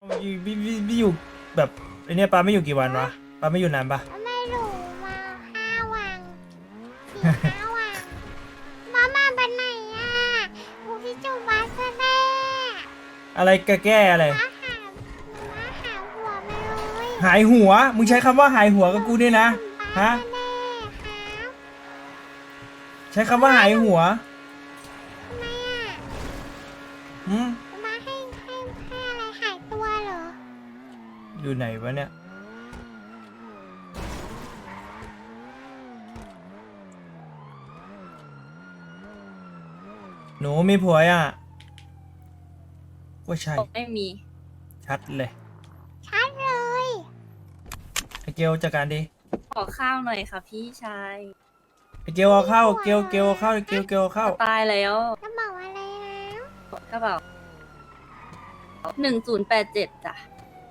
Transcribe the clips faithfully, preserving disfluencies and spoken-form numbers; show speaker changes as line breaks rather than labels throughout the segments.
พี่พี่พี่พี่อยู่แบบไอเนี้ยปาไม่อยู่กี่วันวะปาไม่อยู่นานปะ
ไม่รู้มาห้าวันสี่ห้าวันมามาไปไหนอ่ะกูพี่จูบาซะแน่
อะไรแกแก้อะไร
มาหามาหาหัวมาเลย
หายหัวมึงใช้คำว่าหายหัวกับกูเนี่ยนะฮะ
แน่ครับ
ใช้คำว่าหายหัว
ทำไมอ่ะ
อืม
มาให้ให้ให้อะไรหายตัวเหรอ
อยู่ไหนวะเนี่ยหนูมีผัวอ่ะว่าใช่
ไม่มี
ชัดเลย
ชัดเลย
ไอเกลจัดการดิ
ขอข้าวหน่อยค่ะพี่ชาย
ไอเกลเอาเข้าเกลเกลเอาเข้าเกลเกลเอาเข้า
ตายแล้ว
จะบอกอะไรแล้ว
กระเป๋าหนึ่งศูนย์แปดเจ็ดจ้ะ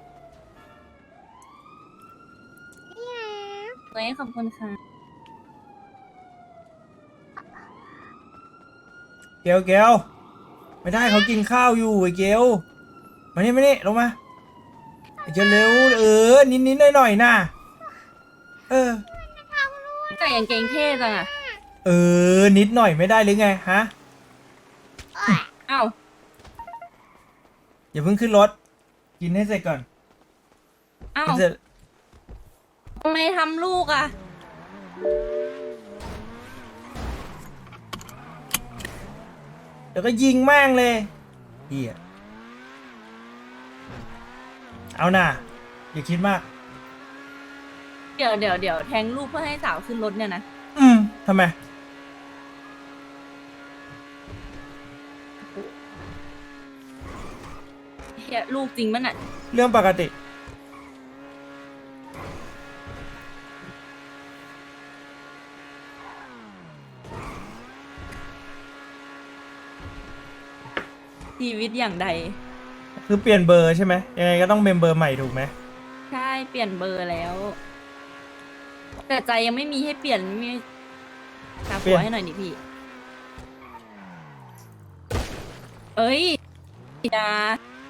นี่แล้ว
เฮ้ยขอบคุณค่ะ
เกลเกลไม่ได้เขากินข้าวอยู่ไอเกลมานี่มานี่ลงมาไอเกลเร็วเออนิดนิดหน่อยหน่อยๆนะเออ
แต่ยังเกงเท่จังอะ
เออนิดหน่อยไม่ได้หรือไงฮะ
อ้าว
อย่าเพิ่งขึ้นรถกินให้เสร็จก่อน
อ้าว
กินเสร็จ
ทำไมทำลูกอะ
เดี๋ยวก็ยิงแม่งเลยเฮียเอาน่ะอย่าคิดมาก
เดี๋ยวเดี๋ยวเดี๋ยวแทงลูกเพื่อให้สาวขึ้นรถเนี่ยนะ
อืมทำไม
เฮียลูกจริงมั้ยน่ะ
เรื่องปกติ
ชีวิตอย่างใด
คือเปลี่ยนเบอร์ใช่ไหมยังไงก็ต้องเป็นเบอร์ใหม่ถูกไหม
ใช่เปลี่ยนเบอร์แล้ว แต่ใจยังไม่มีให้เปลี่ยนไม่มีหาผัวให้หน่อยดิพี่ เอ้ยอย่า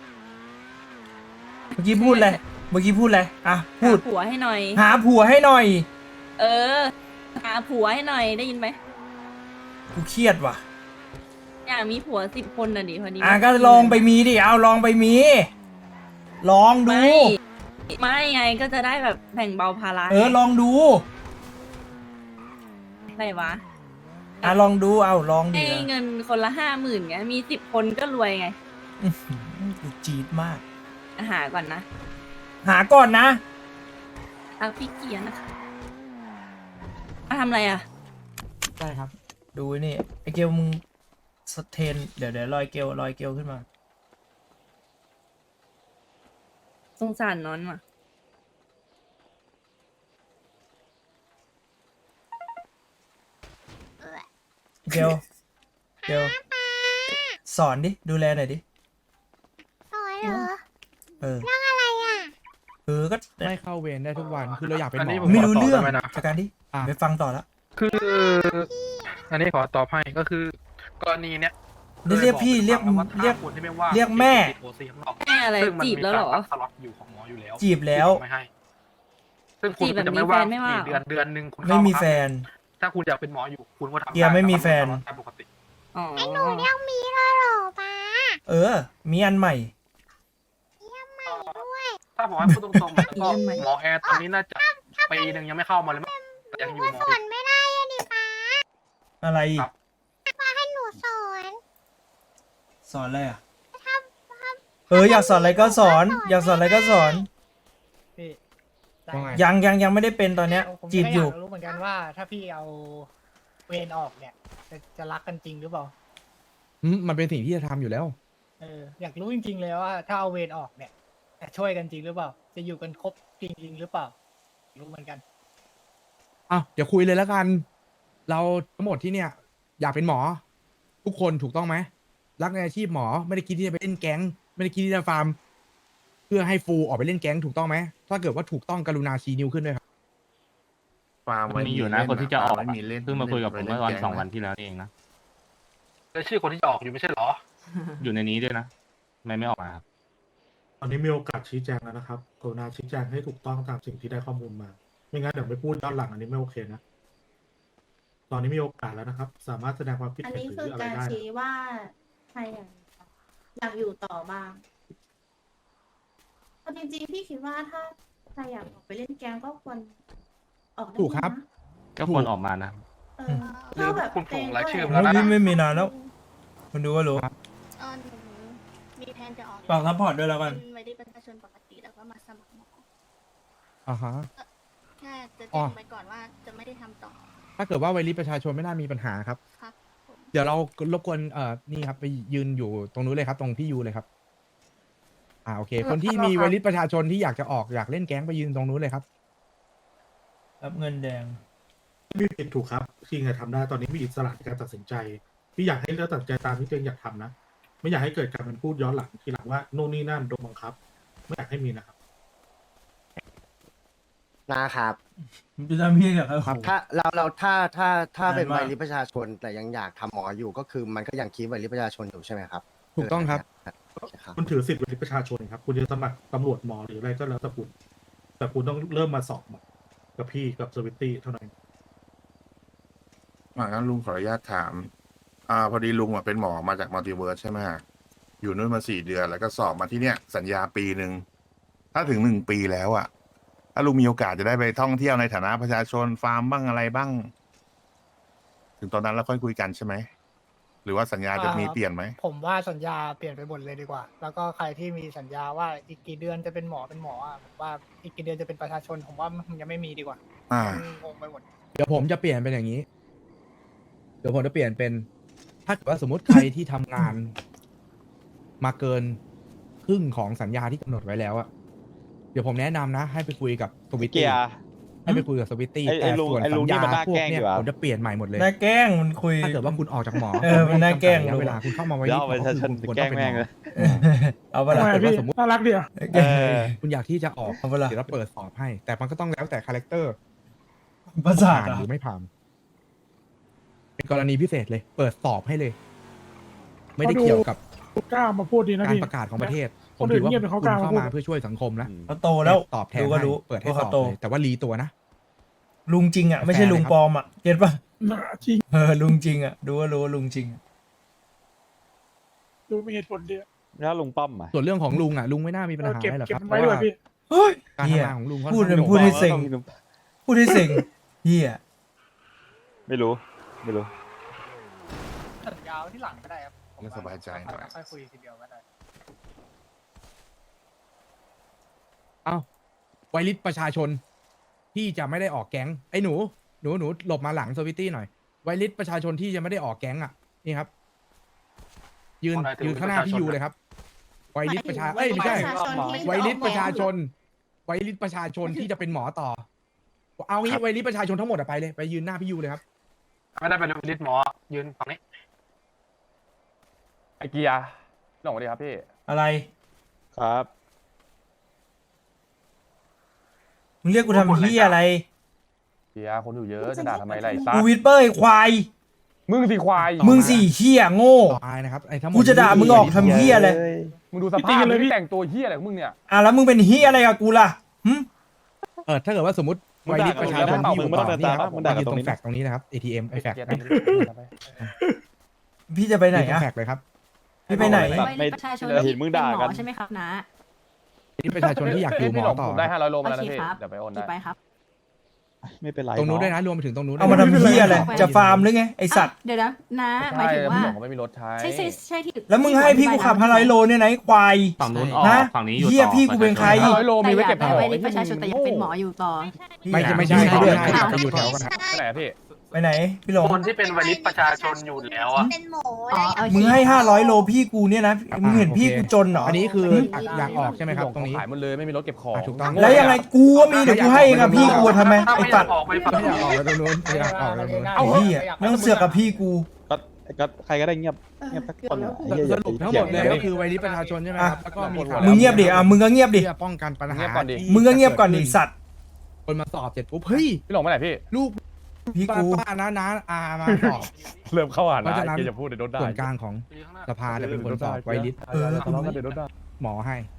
เมื่อกี้พูดอะไรเมื่อกี้พูดอะไรอ่ะพูด
หาผัวให้หน่อย
หาผัวให้หน่อย
เออ หาผัวให้หน่อยได้ยินไหม
กูเครียดว่ะ
อยากมีผัวสิบคนน่ะดิพอดี
อ่ะก็ลองไปมีดิเอาลองไปมี ลองดู
ไม่ไม่ไงก็จะได้แบบแบ่งเบาภาระ
เออลองดู
อะไรวะ
อ่ะลองดูเอาลองดิ
ให้เงินคนละห้าหมื่นไงมีสิบคนก็รวยไง
อื้อหือกูจี๊ดมาก
หาก่อนนะ
หาก่อนนะ
ทักพี่เกียร์นะคะมาทำอะไรอ่ะ
ได้ครับ ดูไอ้นี่ไอเกลมึงสเทนเดี๋ยวเดี๋ยวลอยเกลลอยเกลขึ้นมา
สงสารน้อนว่ะ
เกลเกลสอนดิ ดูแลหน่อยดิ
สอนเหรอ
เออ
เรื่องอะไรอ่ะ
เออ ก็
ไม่เข้าเวรได้ทุกวัน คือเราอยากเป็นหม
อันนี้
อ
ผม
ไม่รู้เรื่อง
ขอตอบได้ไหมนะ
จากการดิ
อ่ะ
ไปฟังต่อละ
คือ อันนี้ขอตอบให้ก็คือกรณีเนี้ย
เรียกพี่เรียก
คว่า
เรียก
ถ้าคนที่ไม่ว่าง
เรียกแม่
ติดโอซีข้างนอก
แม่อะไร
ซึ่งมัน
จีบ
มี
แล้วเหรอ
การสล็อตอยู่ของหมออยู่แล้ว
จีบแล้ว
ที่ผมไม่ให้ ซึ่งคุณ
จีบแบบ
จะไม่ว่าง
มีแฟนไม่ว่า
กี่เดือนเดือนหนึ่งคุณเข้า
ไม่มีแฟน
ถ้าคุณอยากเป็นหมออยู่คุณก็ทำ
เกียร์ไม่มีแฟน
ล้วก็สล็อตตามปกติ
อ๋อ
ไอ้หนูยังมีเลยเหรอป้า
เออ มีอันใหม่
ยังใหม่ด้วย
ถ้าผมให้พูดตรงๆก็หมอแอร์ตอนนี้น่าจะปีหนึ่งยังไม่เข้ามาเลยมั้งแต่ยังอยู่หมอ
สอนไม่ได้อะดิป้า
อะไร
ครับ
ป้าให้หนูสอน
สอนอะไรอ่ะ
ถ้าถ้า
เอออยากสอนอะไรก็สอน อยากสอนอะไรก็สอน
พี่ได้
ว่าไง
ยังยังยังไม่ได้เป็นตอนเนี้ย
ผม
จีบ
ก็
อยู่
ากรู้เหมือนกันว่า ถ้าพี่เอาเวรออกเนี่ย จะจะรักกันจริงหรือเปล่า
อืมมันเป็นสิ่งที่จะทำอยู่แล้ว
เอออยากรู้จริงๆเลยว่า ถ้าเอาเวรออกเนี่ยจะช่วยกันจริงหรือเปล่า จะอยู่กันครบจริงๆหรือเปล่า รู้เหมือนกัน
อ้าวเดี๋ยวคุยเลยแล้วกัน เราทั้งหมดที่เนี่ย อยากเป็นหมอ ทุกคนถูกต้องไหม รักในอาชีพหมอ ไม่ได้คิดที่จะไปเล่นแก๊ง ไม่ได้คิดที่จะฟาร์ม เพื่อให้ฟูออกไปเล่นแก๊งถูกต้องไหม ถ้าเกิดว่าถูกต้องกรุณาชี้นิ้วขึ้นด้วยครับ
มันมีอยู่นะคนที่จะออกเพิ่งมาคุยกับผมเมื่อวันสองวันที่แล้วนี่เองนะ
แล้วชื่อคนที่จะออกอยู่ไม่ใช่เหรอ
อยู่ในนี้ด้วยนะทำไมไม่ออกมาครับ
ตอนนี้มีโอกาสชี้แจงแล้วนะครับกรุณาชี้แจงให้ถูกต้องตามสิ่งที่ได้ข้อมูลมา ไม่งั้นเดี๋ยวไปพูดย้อนหลังอันนี้ไม่โอเคนะ ตอนนี้มีโอกาสแล้วนะครับ สามารถแสดงความคิด
อัน
เห็น
นี้
หรื
คือ
ออะไร
การ
ได้นะ
ชี้ว่าใครอยากอยากอยู่ต่อบ้างเอาจริงๆพี่คิดว่าถ้าใครอยากออกไปเล่นแกมก็ควรออกได้
ถูกครับ
นะ
ก็ควรออกมานะ
เออถ้าแบบ
คุณผงรายชื่อ
แล้
แล้ว วนะ
พี่ไม่มีนานแล้วคุณดูก็รู้
เออหนูมีแผนจะออก
ฝากซัพพอร์ตด้วยแล้วกัน
เป็นไว้ที่ประชาชนปกติแล้วก็มาสมัครหมอ
อ่าฮะ
แค่จะ
อ๋
แจ้
อ
งไปก่อนว่าจะไม่ได้ทำต่อ
ถ้าเกิดว่าไวริสประชาชนไม่น่ามีปัญหาครับ
ครับผม
เดี๋ยวเรารบกวนเอ่อนี่ครับไปยืนอยู่ตรงนู้นเลยครับ ตรงพี่ยูเลยครับ อ่าโอเค คนที่มีไวริสประชาชนที่อยากจะออกอยากเล่นแก๊งไปยืนตรงนู้นเลยครับ
รับเงินแดง
ไม่ผิดถูกครับที่ไงทำได้ตอนนี้มีอิสระในการตัดสินใจ พี่อยากให้เลือกตัดสินใจตามที่ตัวเองอยากทำนะ ไม่อยากให้เกิดการเป็นพูดย้อนหลังทีหลังว่าโน่นนี่นั่นโดนบังคับ ไม่อยากให้มีนะครับ
นะครับ
จะทำพี่เหรอครับ
ถ้าเราเราถ้าถ้าถ้าเป็น
นานมาก
วัยริประชาชนแต่ยังอยากทำหมออยู่ก็คือมันก็ยังคีบวัยริประชาชนอยู่ใช่ไหมครับ
ถูกต้องครับ
โอเคครับ
คุณถือสิทธิ์เป็นประชาชนครับ คุณจะสมัครตำรวจหมอหรืออะไรก็แล้วแต่คุณ แต่คุณต้องเริ่มมาสอบกับพี่กับสวิตตี้เท่านั้น
อ่างั้นลุงขออนุญาตถาม อ่า พอดีลุงอ่ะเป็นหมอมาจากมัลติเวิร์สใช่ไหมฮะอยู่นู่นมาสี่เดือนแล้วก็สอบมาที่เนี้ยสัญญาปีหนึ่ง ถ้าถึงหนึ่งปีแล้วอ่ะ ถ้าลุงมีโอกาสจะได้ไปท่องเที่ยวในฐานะประชาชนฟาร์มบ้างอะไรบ้าง ถึงตอนนั้นเราค่อยคุยกันใช่ไหม หรือว่าสัญญาจะมีเปลี่ยนไหม
ผมว่าสัญญาเปลี่ยนไปหมดเลยดีกว่า แล้วก็ใครที่มีสัญญาว่าอีกกี่เดือนจะเป็นหมอเป็นหมออ่ะผมว่าอีกกี่เดือนจะเป็นประชาชน ผมว่ามันยังไม่มีดีกว่า
อ่า
มันงงไปหมด
เดี๋ยวผมจะเปลี่ยนเป็นอย่างนี้ เดี๋ยวผมจะเปลี่ยนเป็น ถ้าเกิดว่าสมมติใครที่ทำงาน มาเกินครึ่งของสัญญาที่กำหนดไว้แล้วอะเดี๋ยวผมแนะนำนะ ให้ไปคุยกับสวิตตี้ให้ไปคุยกับสวิตตี้
ไอ้ไอ้
แต่
ลุง
ส่วน
ไอ้
สั
ลุ
ญ
งนี่
ญา
มันน่า
พว
แก
ก
ล้ง
เนี้ย
ดีกว่า
ผมจะเปลี่ยนใหม่หมดเลย
น่าแกล้งมันคุย
ถ้าเกิดว่าคุณออกจากหมอ
เออมันน่าแกล้ง
ระยะเวลาคุณเข้ามาไว้
เดี๋ยวเอาประชาชน
คุณ
แกล้งแม่งเลย
เอาไปละ
ถ้าเกิดว่าสมมติ
น่ารักดีอ่ะ
แกล้ง
คุณอยากที่จะออก
เอาเวลา
เดี๋ยวเราเปิดสอบให้ แต่มันก็ต้องแล้วแต่คาแรคเตอร์
ประสาท
ผ่าน
อ่ะ
หรือไม่ผ่าน เป็นกรณีพิเศษเลย เปิดสอบให้เลย ไม่ได้เกี่ยวกับ
กล้ามาพูดดีนะ
การ
พี่
ประกาศของประเทศ ผ
ค
ม
นอื่
ถื
น
อว่า
เงียบแต่เขา
คุณ
กล้า
เข้า
พูด
มาเพื่อช่วยสังคมนะ
เขาโตแล้ว
ตอบแทน
ดูก็
ให้
รู้
เปิดให้
ว่า
ส
เขา
อบ
โต
เลยแต่ว่ารีตัวนะ
ลุงจริงอ่ะไม่ใช่ลุงปลอมอ่ะเก็ตป่ะ
จริง
เออลุงจริงอ่ะดูก็รู้ว่าลุงจริงอะ
ดูมีเหตุผลดี
แล้วลุงป้อมอ่ะ
ส่วนเรื่องของลุงอ่ะลุงไม่น่ามีปัญหา
เก็บ
อะไรหรอก
เก็
ครับ บ
ไว้ด้วยพี่
เฮ้ย
การ
เฮีย
ทำงานของลุงเขา
พูด
ทำ
พูดให้เซ็ง
ลุง
พูดให้เซ็งเฮีย
ไม่รู้ ไม่รู้
สัญญาไว้ที่หลังก็ได้ครับ
ไม่สบายใจหน่อย
ค่อยคุยทีเดียวก็ได้
เอ้าไวริสประชาชนที่จะไม่ได้ออกแก๊งไอ้หนูหนูหนูหลบมาหลังสวิตตี้หน่อยไวริสประชาชนที่จะไม่ได้ออกแก๊งอ่ะนี่ครับ ยืน
คนไหนถือ
ยืนข้างหน้า
ประชาชน
พี่ยูเลยครับไวริสประชาเอ้ยไม่ใช่ ไวริสประชาชน ไวริสประชาชนที่จะเป็นหมอต่อ เอางี้ไวริสประชาชนทั้งหมดอะไปเลยไปยืนหน้าพี่ยูเลยครับ
ไม่ได้เป็นลิสหมอยืนฝั่งนี้
ไอเกียร์หลงสวัสดีครับพี่
อะไร
ครับ
มึงเรียกกูทำเฮียอะไร
เกียร์คนอยู่เยอะจะด่าทำไมไรซั
กูวิดเปอร์ไอ้ควาย
มึงสิควาย
มึงสี่เฮียโง่
ต่อไปนะครับไอ้ทั้งหมด
กูจะด่ามึงออกทำเฮียเลย
มึงดูสภาพเลยพี่แต่งตัวเฮียอะไรของมึงเนี่ย
อ่ะแล้วมึงเป็นเฮียอะไรกับกูล่ะหึ
เออถ้าเกิดว่าสมมติ
มึ
ไว
งด่า
ริสประชาชน
มึงด่า
ที่อยู่
มึง
ต่อ
ไม่ต้อง
นี่ครับ
มึงด่า
ยืน
ต
ต
ร
รง ง
นี้
แฟกตรงนี้นะครับ เอ ที เอ็ม ไอแฟก
เกียร์
ยืน
พี่จะไปไหน
ตรง
อ่ะ
แฟกเลยครับ
พี่ไปไหน
ไว้ประชาชน
เห็นมึงด่ากัน
เป็นหมอใช่ไหมครับนะ
ไวริสประชาชนที่อยากอยู่หมอต่อ
ผมได้ห้าร้อยโลมาแล้ว
โอ
นะ
เค
พี่
ครับ
เดี๋ยวไปโอน
กี่ไป
ได้
ครับ
ไม่เป็นไร
ตรงนู้นด้วยนะรวมไปถึงตรงนู้น
เอามาทำเฮียอะไรจะฟาร์มหรือไงไอสัตว์
อ่ะเดี๋ยวนะนะหมาย
ใช่
ถึง
แล้ว
ว่า
พี่หลงเขาไม่มีรถใช้
ใช่ใช่ใช่ที่
แล้วมึงให้พี่กูขับห้าร้อยโลเนี่ยนะไอ้ควาย
ฝั่งนู้นออก
ฮะ
ฝั่งนี้อยู่
เฮียพี่กูเป็นใคร
ห้าร้อยโลมีไว้เก็บ
แต่
ข
อยาก
อง
ได้ไว้ประชาชนแต่ยังเป็นหมออยู่ต่อ
ไม่ใช่ไม่ใช่
ไม่
ไม่
ใช่
ใช่ไปอยู่แถวกันนะ
ไปไหนอะพี่
ไปไหนพี่หลง
คนที่เป็นวลิตประชาชนอยู่แล้วอ่ะ
เป็นหมอ
อ๋อโอเค
มึงให้ห้าร้อยโลพี่กูเนี่ยนะมึงเห็นพี่กูจนเหรอ
อันนี้คืออยากออกใช่ไหมครับ ตรงนี้
ขายหมดเลยไม่มีรถเก็บของ
อ่ะถูกต้อง
แล้วยังไงกูก็มีเดี๋ยวกูให้กับพี่กูทำไม
ถ้า
ไอ้
ไม่อ
สั
ยา
ต
ก
ว์
ออกไปฝั่ง
ไม่อยาก
นี้
ออกแล้วตรงนู้นไม่อยากออกแล้วตรงนู้น
ไอ้เหี้ยไม่ต้องเสือกกับพี่กู
ก็ก็ใครก็ได้เงียบเงียบสักคนอะ
สรุปทั้งหมดเลยก็คือไวริสประชาชนใช่ไหมครับแล้วก็มีข่าว
มึงเงียบดิอ่ะมึงก็เงียบดิ
เพื่อป้องกันปัญหา
เงียบก่อนดิ
ที่
มึงก็เงียบก่อนดิสัตว์
คนมาสอบเสร็จปุ๊บเฮ้ย
พี่หลงไปไหนพี่
ลูก
พี่
ป้า
กู
ป้าน้าน้าอามาสอบ
เริ่มเข้าหา
เพราะฉะนั้น
เกียร์จะพูดในรถได้
ส่วนกลางของสภาจะเป็นคนสอบไวริส
เออ
ทะเลาะกันในรถได้
หมอให้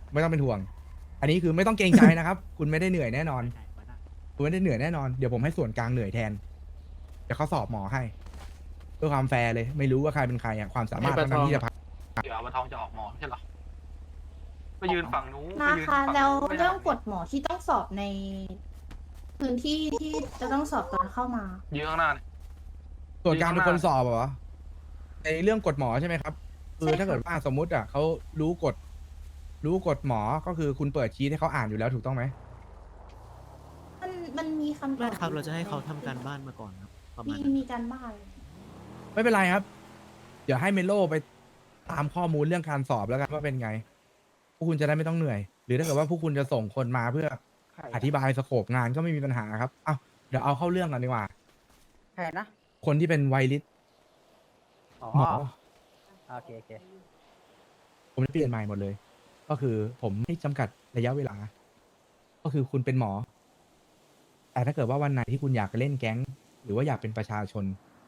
ไม่ต้องเป็นห่วง อันนี้คือไม่ต้องเกรงใจนะครับ คุณไม่ได้เหนื่อยแน่นอน คุณไม่ได้เหนื่อยแน่นอน เดี๋ยวผมให้ส่วนกลางเหนื่อยแทน เดี๋ยวเขาสอบหมอให้เพื่อความแฟร์เลย ไม่รู้ว่าใครเป็นใครอะความสามารถเท่านั้นที่จะพัก
เดี๋ยวมาทองจะออกหมอไม่ใช่เหรอไปยืนฝั่งนู้น
นะ
ไปยืน
คะ
ฝั่ง
แล้ว
นู้นไม่ได้
เรื่องกฎหมอที่ต้องสอบใน พื้นที่ที่จะต้องสอบตอนเข้ามา
ยืนข้างหน้าเนี่ย
ส่วนกลางเป็นคนสอบเหรอในเรื่องกฎหมอใช่ไหมครับ คือ
ใช่ค่ะ
ถ้าเกิดว่าสมมุติอ่ะเขารู้กฎ รู้กฎหมอก็คือคุณเปิดชีทให้เขาอ่านอยู่แล้วถูกต้องไหม
มันมันมีคำต
ไม่
อบ
ครับ เราจะให้เขาทำการบ้านมาก่อนครับ ประมา
มี
ณนั้น
มีการบ้าน
ไม่เป็นไรครับ เดี๋ยวให้เมโลไปตามข้อมูลเรื่องการสอบแล้วกันว่าเป็นไง พวกคุณจะได้ไม่ต้องเหนื่อย หรือถ้าเกิดว่าพวกคุณจะส่งคนมาเพื่ออธิบายสโคปงานก็ไม่มีปัญหาครับ เอ้าเดี๋ยวเอาเข้าเรื่องกันดีกว่า
ใช่นะ
คนที่เป็นไวริส
อ๋อ
หมอ
โอเคโอเค
ผมจะเปลี่ยนใหม่หมดเลย ก็คือผมไม่จำกัดระยะเวลา ก็คือคุณเป็นหมอ แต่ถ้าเกิดว่าวันไหนที่คุณอยากไปเล่นแก๊ง หรือว่าอยากเป็นประชาชน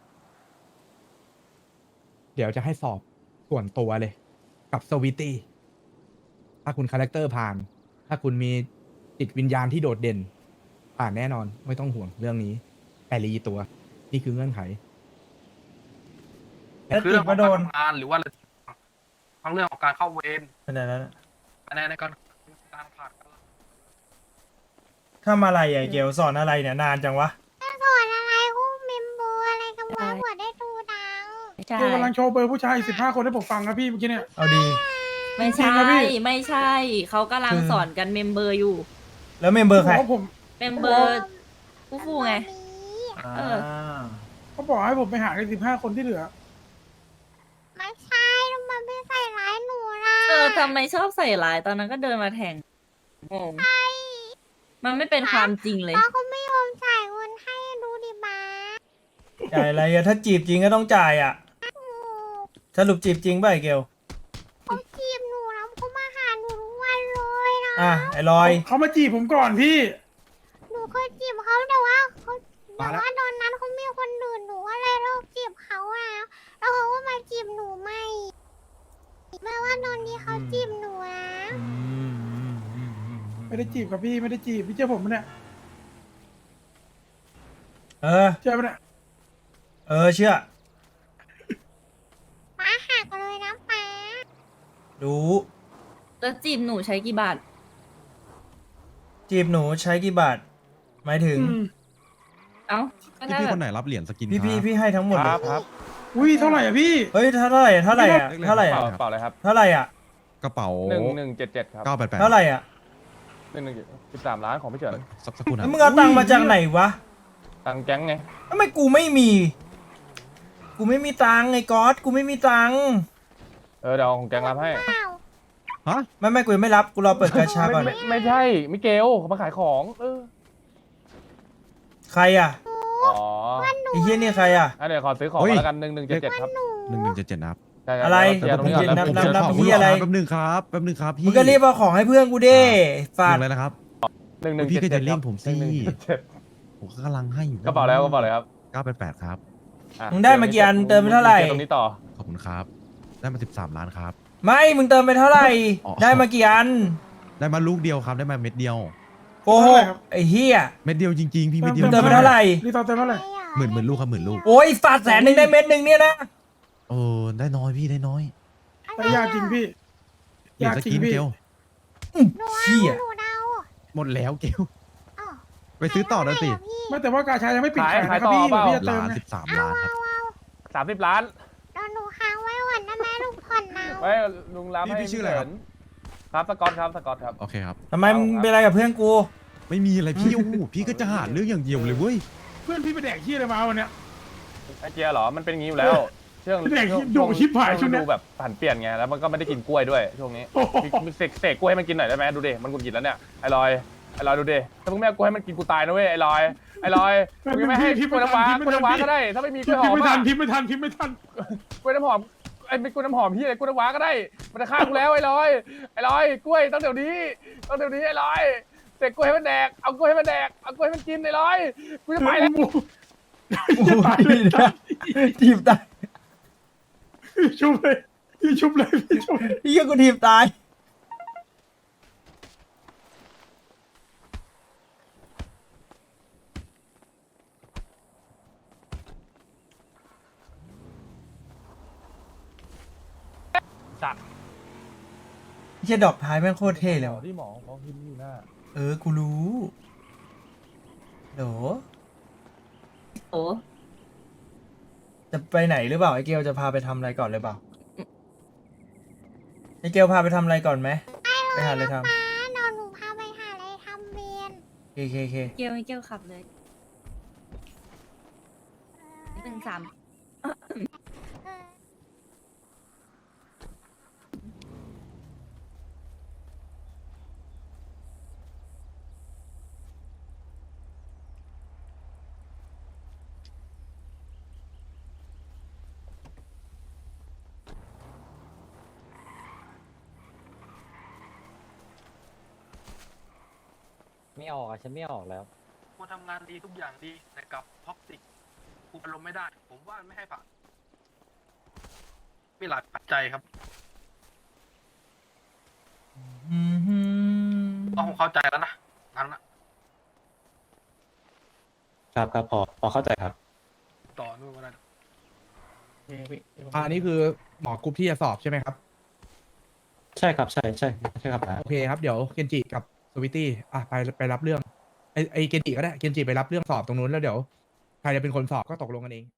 เดี๋ยวจะให้สอบส่วนตัวเลย กับสวิตตี้ถ้าคุณคาแรคเตอร์ผ่าน ถ้าคุณมีจิตวิญญาณที่โดดเด่น ผ่านแน่นอนไม่ต้องห่วงเรื่องนี้แต่รีตัว นี่คือเงื่อนไข
แล้ว
คือ
ติ
เรื่
ด
องขอ
มาง โด
การ
น
ทำงานหรือว่าทั้งเรื่องของการเข้าเวร
ขนาดนั้นอะ
คะแนนในการการผ่านการ
ทำอะไรอ่ะเกลสอนอะไรเนี่ยนานจังวะ
สอนอะไรกูเมมโบอะไรกันวะหัวได้ดูดัง
ไม่ใช่
กำลังโชว์เบอร์ผู้ชายสิบห้าคนให้ผมฟังครับพี่เมื่อกี้เนี่ย
เอาดี
ไม่
จริ
ใช่
งนะพี่
ไม่ใช่ เขากำลัง
คือ
สอนกันเมมเบอร์อยู่
แล้วเมมเบอร์ใคร
เขาบอกว่าผม
เมมเบอร์ฟูฟูไง เออ
เขาบอกให้ผมไปหาในสิบห้าคนที่เหลือ
ไม่ใช่ทำไมไม่ใส่ร้ายหนูล่ะ
เออทำไมชอบใส่ร้ายตอนนั้นก็เดินมาแทงงงมันไม่เป็นความจริงเลย
ป้าเขาไม่ยอมจ่ายเงินให้ดูดิบ้า
จ่ายอะไรอะถ้าจีบจริงก็ต้องจ่ายอะสรุปจีบจริงป่ะไอ้เกล
เขาจีบหนูแล้วเขามาหาหนูทุกวันเลยนะ
อ่ะไอ้ลอย
เขามาจีบผมก่อนพี่
หนูเคยจีบเขาแต่ว่าเขา
มา
แต่
แล้ว
ว่าตอนนั้นเขามีคนอื่นหนูก็เลยเลิกจีบเขาแล้วแล้วเขาก็มาจีบหนูใหม่แม้ว่าตอนนี้เขาจีบหนูแล้ว
ไม่ได้จีบกับพี่ไม่ได้จีบพี่เจ้าผมปะเนี่ย
เออ
เชื่อปะเนี่ย
เออเชื่อ
ป้าหักเลยนะป้า
รู้
แล้วจีบหนูใช้กี่บาท
จีบหนูใช้กี่บาท หมายถึง
อืม
เอ้าก็ได้
พี่
แบ
ค
บ
นไหนรับเหรียญสกิน
พี่พี่พี่ให้ทั้งหมดเลย
อุ้ยเท่าไหร่อะพี่
เฮ้ยเท่าไหร่อะเท่าไหร่อะเท่าไหร่อะ
เปล่าเลยครับ
เท่าไหร่อะ
กระเป๋า
หนึ่งหนึ่งเจ็ดเจ็ดครับ
เก้าแปดแปด
เท่าไหร่อะ
หนึ่งหนึ่งสิบสามล้านของพี่เฉิน
สักสักครู่นะ
แล้วมึงเอาตังค์มาจากไหนวะ
ตังแก๊งไง
ทำไมกูไม่มี กูไม่มีตังค์ไอ้ก๊อตกูไม่มีตังค์
เออเดี๋ยวเอาของแก๊งรับให้
เปล่า
ฮะ
ไม่ไม่กูยังไม่รับกูรอเปิดกาชาก่อน
ไม่ไม่ใช่ มิเกลเขามาขายของเออ
ใครอะ
อ๋อ
ไอ้เฮียนี่ใครอะ
อ่ะเดี๋ยวขอซื้อของก่อนแล้วกันหนึ่งหนึ่งเจ็ดเจ็ดครับ
หนึ่งหนึ่งเจ็ดเจ็ดนับ
ใช่ๆ
อะไร
เดี๋ยวตรงนี้ก่อน
นับ
ผม
นับ
จะ
นับ
ขอ
เหี้ยอะไร
แป๊บหนึงครับแป๊บหนึงครับพี่
มึงก็รีบเอาของให้เพื่อนกูดิฟาด
ลงเลยนะครับ
หนึ่งหนึ่ง
พี่
เจ็ด
ก็
เจ็
จะ
ด
เร่งผมสิ
หนึ่งหนึ่งเจ็ดเจ็ด
ผมก็กำลังให้อยู่
กระเป๋าแล้วกระเป๋าเลยครับ
เก้าแปดแปดครับ
อ่ะ
มึงได้มากี่อันเติมไปเท่าไหร่
ตรงนี้ต่อ
ขอบคุณครับ ได้มาสิบสามล้านครับ
ไม่ มึงเติมไปเท่าไหร่
อ๋อ
ได้มากี่อัน
ได้มาลูกเดียวครับ ได้มาเม็ดเดียว
โกหกไอ้เฮีย
เม็ดเดียวจริงๆ พี่เม็ดเดียว
มึงเติมไปเท่าไหร่
รีตอนเต็มเท่าไหร่
หมื่นหมื่นลูกครับหมื่นลูก
โอ้ยฝาดแสนหนึ่งได้เม็ดหนึ่งเนี่ยนะ
เออได้น้อยพี่ได้น้อย
แต่ยากจริงพี่
เหรียญ
ยาก
ส
จริ
กิ
ง
น
พี่
เกล
เฮีย
หนูเดา
หมดแล้วเกล
อ้าว
ไปซื้อต่อแล้วสิ
ใครเท่าไหร่อะพี่
ไม่แต่ว่ากาชายังไม่ปิด
ขาย
ขาย
ขาย
นะครับพี่
ต่อเปล่า
พี่จะเติม
ล้าน
ไง
สิบสามล้านครับ
สามสิบล้าน
เดี๋ยวหนูค้างไว้ก่อนได้ไหมลูกผ่อนเอา
ไว้ลุงรับ
พี่
ให้
พี่ชื่ออะไรครับ
ครับสกอตครับสกอตครับ
โอเคครับ
ทำไมมึงเป็นอะไรกับเพื่อนกู
ไม่มีอะไรพี่โอ้โหพี่ก็จะหาเรื่องอย่างเดียวเลยเว้ย
เพื่อนพี่ไปแดกขี้อะไรมาวันเนี้ย
ไอเจียเหรอ มันเป็นอย่างนี้อยู่แล้วช่วง
เด็ก
ช่วง
ดุชิบหายช่วงเนี้ย
ดูแบบผันเปลี่ยนไง แล้วมันก็ไม่ได้กินกล้วยด้วยช่วงนี้
โอ้โห
มีเสกเสกกล้วยให้มันกินหน่อยได้ไหมดูดิ มันกุนกินแล้วเนี่ย ไอ้ลอย ไอ้ลอยดูดิ ถ้ามึงไม่เอากล้วยให้มันกินกูตายนะเว้ย ไอ้ลอย ไอ้ลอยมึงไม่ให้กล้วยน้ำว้ากล้วยน้ำว้าก็ได้ ถ้าไม่มีกล้วยห
พิ
อ
ม
ม
พ์ไม่ทั
อะ
นพิมพ์ไม่ทันพิมพ์ไม่ทัน
กล้วยน้ำหอม ไอ้ไม่กล้วยน้ำหอมพี่อะไรกล้วยน้ำว้าก็ได้ มันจะฆ่ากูแล้วไอ้ลอย ไอ้ลอย กล้วยต้องเดี๋ยวนี้ ต้องเดี๋ยวนี้ไอ้ลอยเสกกล้วยให้มันแดก เอากล้วยให้มันแดก เอากล้วยให้มันกินไอ้ลอย กูจะไปแล้ว
จะตายเลย
ทีบตาย
ชุบเลยพี่ชุบเลยพี่ชุบ
เฮียกูทีบตาย
สัตว์
ไม่ใช่ดอกท้ายแม่งโคตรเท่เลยว่ะ
ที่หมอเขาพิมพ์อยู่หน้า
เออ กูรู้โห
โอ้
จะไปไหนหรือเปล่าไอเกลจะพาไปทำอะไรก่อนเลยเปล่าไอเกลพาไปทำอะไรก่อนไหมไปหาอะไรท
ป้าเดี๋ยวหนูพาไปหาอะไรทำเวียน
ำเคเคเค
เกียวไม่เกียวขับเลยหนึ่งสาม
เออ
ไม่ออกอ่ะฉันไม่ออกแล้ว
กูทำงานดีทุกอย่างดีแต่กับท็อกซิกกูอารมณ์ไม่ได้ ผมว่าไม่ให้ผ่านมีหลายปัจจัยครับ
อืมฮึ
ต้องเข้าใจแล้วนะงั้นนะครับ
ครับพอพอเข้าใจครับ
ต่อนู่นก็ได้
อันนี้คือหมอกรุ๊ปที่จะสอบใช่ไหมครับ
ใช่ครับใช่ใช่ใช่ครับ
โอเคครับ เดี๋ยวเคนจิกับสวิตตี้อ่ะไปไปรับเรื่องไอไอเคนจิก็ได้เคนจิไปรับเรื่องสอบตรงนู้นแล้วเดี๋ยวใครจะเป็นคนสอบก็ตกลงกันเอง